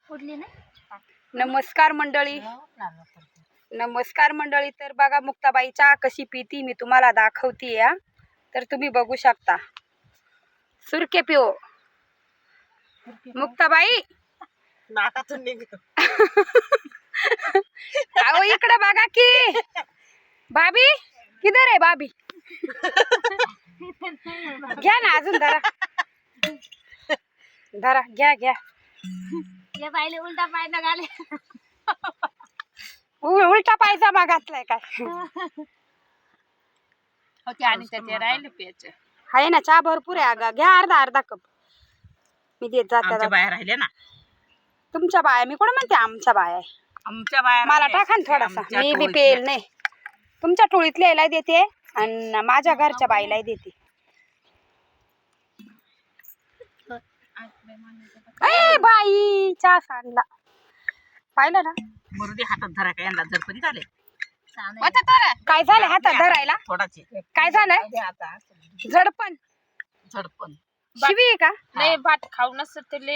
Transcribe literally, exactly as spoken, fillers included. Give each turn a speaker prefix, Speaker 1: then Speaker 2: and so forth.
Speaker 1: उडली नाही.
Speaker 2: नमस्कार मंडळी, नमस्कार मंडळी. तर बघा मुक्ताबाई चहा कशी पिती मी तुम्हाला दाखवते या. तर तुम्ही बघू शकता. सुरके पिओ मुक्ताबाई.
Speaker 3: नाकातून निघतो.
Speaker 2: अहो इकडे बघा की भाभी किधर आहे भाभी. घ्या ना अजून धरा धरा घ्या घ्या.
Speaker 1: या बाईले उलटा पाय न घाले.
Speaker 2: उ- उलटा पायजामा घातलाय काय.
Speaker 1: होते आणि त्याचे राहिले प्यायचे.
Speaker 2: आहे ना चहा भरपूर आहे. अगं घ्या अर्धा अर्धा कप. मी देत जाते.
Speaker 3: आमच्या बाया राहिले ना.
Speaker 2: तुमच्या बाया मी कोण म्हणते आमच्या बाया आहे.
Speaker 3: आमच्या बाया
Speaker 2: मला
Speaker 3: राहिल्या.
Speaker 2: टाका ना थोडासा.
Speaker 3: आमच्या
Speaker 2: मी बी
Speaker 3: टोळीतल्या.
Speaker 2: पेल नाही. तुमच्या टोळीतल्या देते आणि माझ्या घरच्या बाईला देते. ए बाई चहा सांडला पाहिलं ना.
Speaker 3: मुरुडी हातात धरा काय यांना जरपणी झाले
Speaker 2: काय झालं हातात धरायला.
Speaker 3: थोडाचे
Speaker 2: काय झालंय
Speaker 3: आता
Speaker 2: झडपण
Speaker 3: झडपण
Speaker 2: शिवी आहे का.
Speaker 1: नाही भात खाऊनच ते